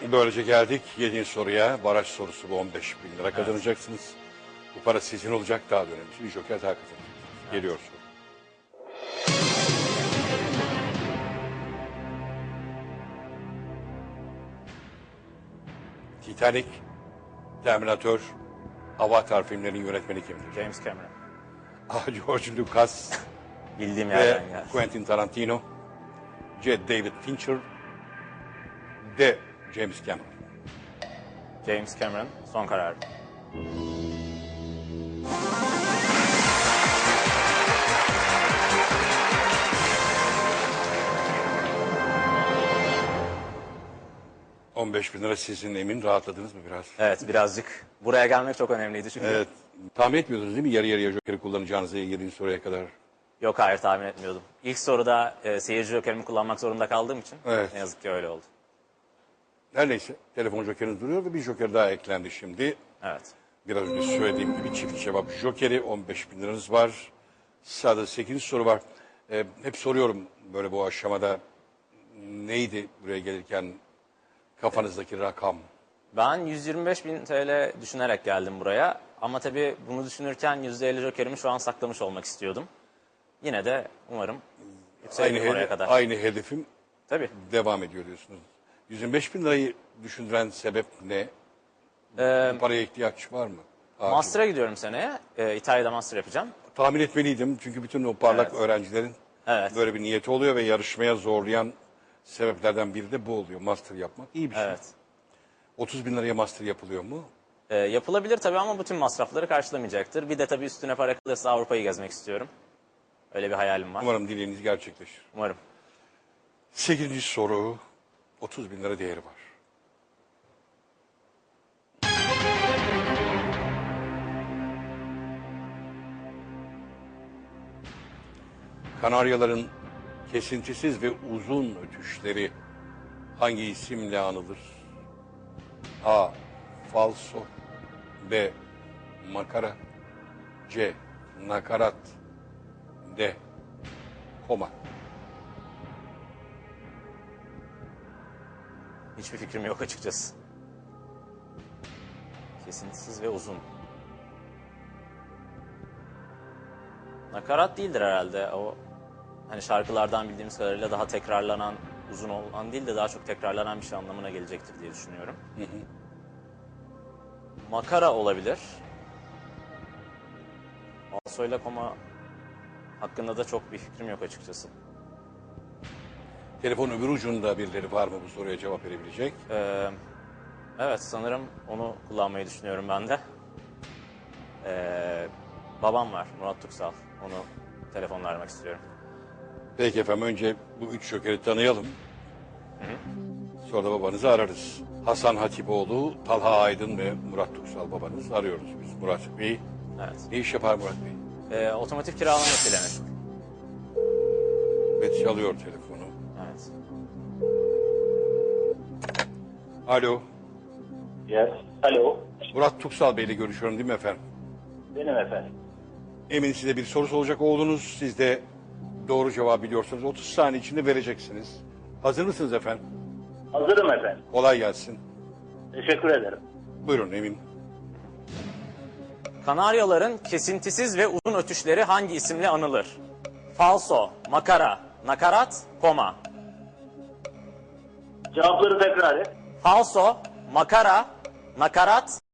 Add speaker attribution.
Speaker 1: Böylece geldik 7. soruya. Baraj sorusu bu, 15.000 lira kazanacaksınız. Bu para sizin olacak, daha da önemlisi bir joker daha kazanacaksınız. Geliyor soru. Titanic, Terminator, Avatar filmlerinin yönetmeni kimdir?
Speaker 2: James Cameron.
Speaker 1: A. George Lucas
Speaker 2: Bildiğim
Speaker 1: ve
Speaker 2: yerden geldi.
Speaker 1: Quentin Tarantino, C. David Fincher, D. James Cameron.
Speaker 2: James Cameron son karar.
Speaker 1: ...15.000 lira sizin, emin rahatladınız mı biraz?
Speaker 2: Evet, birazcık. Buraya gelmek çok önemliydi çünkü.
Speaker 1: Evet. Tahmin etmiyordunuz değil mi yarı yarıya jokeri kullanacağınızı 7. soruya kadar?
Speaker 2: Yok, hayır, tahmin etmiyordum. İlk soruda seyirci jokerimi kullanmak zorunda kaldığım için
Speaker 1: Evet.
Speaker 2: ne yazık ki öyle oldu.
Speaker 1: Her neyse, telefon jokeriniz duruyor ve bir joker daha eklendi şimdi.
Speaker 2: Evet.
Speaker 1: Biraz önce söylediğim gibi çift cevap jokeri, 15.000 liranız var. Sırada 8. soru var. Hep soruyorum böyle bu aşamada, neydi buraya gelirken kafanızdaki rakam?
Speaker 2: Ben 125.000 TL düşünerek geldim buraya. Ama tabii bunu düşünürken %50 jokerimi şu an saklamış olmak istiyordum. Yine de umarım yükselirim oraya kadar.
Speaker 1: Aynı hedefim
Speaker 2: Tabii.
Speaker 1: devam ediyor diyorsunuz. 125.000 lirayı düşündüren sebep ne? Bu paraya ihtiyaç var mı? Acil.
Speaker 2: Master'a gidiyorum seneye. İtalya'da master yapacağım.
Speaker 1: Tahmin etmeliydim çünkü bütün o parlak
Speaker 2: Evet.
Speaker 1: öğrencilerin
Speaker 2: Evet.
Speaker 1: böyle bir niyeti oluyor ve yarışmaya zorlayan sebeplerden biri de bu oluyor. Master yapmak iyi bir şey.
Speaker 2: Evet.
Speaker 1: 30.000 liraya master yapılıyor mu?
Speaker 2: Yapılabilir tabii ama bütün masrafları karşılamayacaktır. Bir de tabii üstüne para kalırsa Avrupa'yı gezmek istiyorum. Öyle bir hayalim var.
Speaker 1: Umarım dileğiniz gerçekleşir.
Speaker 2: Umarım.
Speaker 1: 8. soru, 30.000 lira değeri var. Kanaryaların kesintisiz ve uzun ötüşleri hangi isimle anılır? A. Falso, B. Makara, C. Nakarat, D. Koma.
Speaker 2: Hiçbir fikrim yok açıkçası. Kesintisiz ve uzun. Nakarat değildir herhalde. O hani şarkılardan bildiğimiz kadarıyla daha tekrarlanan, uzun olan değil de daha çok tekrarlanan bir şey anlamına gelecektir diye düşünüyorum. Makara olabilir. Falso ile koma hakkında da çok bir fikrim yok açıkçası.
Speaker 1: Telefon öbür ucunda birileri var mı bu soruya cevap verebilecek?
Speaker 2: Evet, sanırım onu kullanmayı düşünüyorum ben de. Babam var, Murat Tuksal. Onu telefonla aramak istiyorum.
Speaker 1: Peki efendim, önce bu 3 jokeri tanıyalım. Sonra da babanızı ararız. Hasan Hatipoğlu, Talha Aydın ve Murat Tuksal babanız, arıyoruz biz Murat Bey.
Speaker 2: Evet.
Speaker 1: Ne iş yapar Murat Bey?
Speaker 2: Otomotiv kiralamasıyla meşgul.
Speaker 1: Ve çalıyor telefonu.
Speaker 2: Evet.
Speaker 1: Alo,
Speaker 3: Yes. Alo.
Speaker 1: Murat Tuksal Bey ile görüşüyorum değil mi efendim?
Speaker 3: Benim efendim.
Speaker 1: Emin, size bir soru soracak oğlunuz. Siz de doğru cevabı biliyorsunuz. 30 saniye içinde vereceksiniz. Hazır mısınız efendim?
Speaker 3: Hazırım efendim.
Speaker 1: Kolay gelsin.
Speaker 3: Teşekkür ederim.
Speaker 1: Buyurun Emin.
Speaker 2: Kanaryaların kesintisiz ve uzun ötüşleri hangi isimle anılır? Falso, makara, nakarat, koma.
Speaker 3: Cevapları tekrar et.
Speaker 2: Falso, makara, nakarat,